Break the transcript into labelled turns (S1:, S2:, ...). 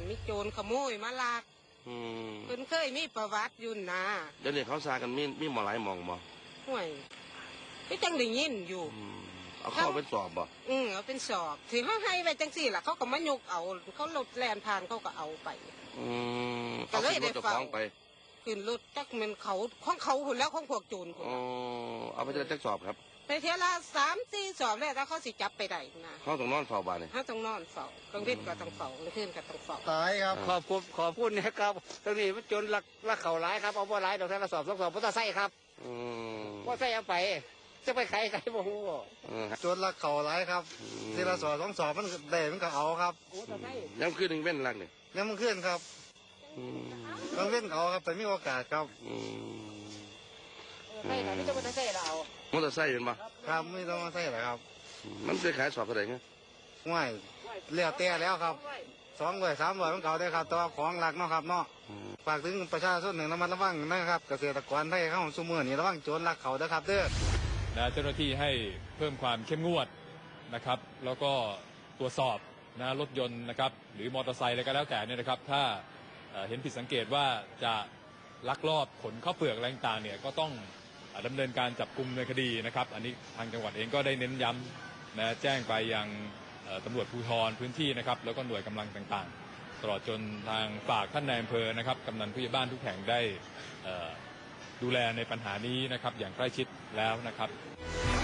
S1: มีโจรขโมยมาลักเพิ่นเคยมีประวัติอยู่นะ
S2: เดี๋ยวนี้เขาซากันมีหมอหลายหมองบ่
S1: ห่วยก็จังได้ยินอยู่
S2: เอาเข้าเป็นสอบบ่
S1: เอาเป็นสอบถือเขาให้ไปจังสี่ล่ะเขาก็มายกเอาเขารถแล่นผ่านเขาก็เอาไป
S2: ก็เลยได้ฟังไป
S1: ขึ้นรถจักมันเขาของเขาคนแล้วของพวกโจรคน
S2: เอาไปจักสอบครับ
S1: ไปเที่ยวละ3-4 สอบแล้วถ้าเขาสิจับไปได้นะ
S2: เขาต้องนอนเฝ้าบ้านเลย
S1: เขาต้องนอนเฝ้ากลางวันก็ต้องเฝ้ากลางคืนก็ต้องเฝ้า
S3: ตายครับขอบคุณนะครับตรงนี้มันจนลักเข่าร้ายครับเอาว่าร้ายดอกแทนละสอบ2 สอบพุทธไส้ครับว่าไส้เอาไปจะไปใครบ่ฮู้จนลักเข่าร้ายครับทีละสอบ2 สอบมันได้มันก็เอาครับ
S2: ยังขึ้นหนึ่งเว้นลักเนี่ย
S3: ยังมันขึ้นครับต้องเว้นเอาครับแต่มีโอกาสครับ
S1: ใช่ค่ะไม่ต้องมาใส่เรา
S2: มอเตอร์ไซค์เป็นปะ
S3: ครับไม่ต้องมาใส่หรอกครับ
S2: มันจะขายสอบเท่าไหร่เงี้ย
S3: ง่ายเลี้ยวเตี้ยแล้วครับ200 300มันเก่าได้ครับตัวของหลักเนาะครับเนาะฝากถึงประชาชนหนึ่งระมัดระวังนะครับเกษตรกรไทยเข้าสู่เมืองนี่ระวังโจรลักเขาเด้อครับเด้อ
S4: เจ้าหน้าที่ให้เพิ่มความเข้มงวดนะครับแล้วก็ตรวจสอบรถยนต์นะครับหรือมอเตอร์ไซค์อะไรก็แล้วแต่เนี่ยนะครับถ้าเห็นผิดสังเกตว่าจะลักลอบขนข้าวเปลือกอะไรต่างๆเนี่ยก็ต้องดำเนินการจับกุมในคดีนะครับอันนี้ทางจังหวัดเองก็ได้เน้นย้ำแจ้งไปยังตำรวจภูธรพื้นที่นะครับแล้วก็หน่วยกำลังต่างๆตลอดจนทางฝากท่านนายอำเภอนะครับกำนันผู้ใหญ่บ้านทุกแห่งได้ดูแลในปัญหานี้นะครับอย่างใกล้ชิดแล้วนะครับ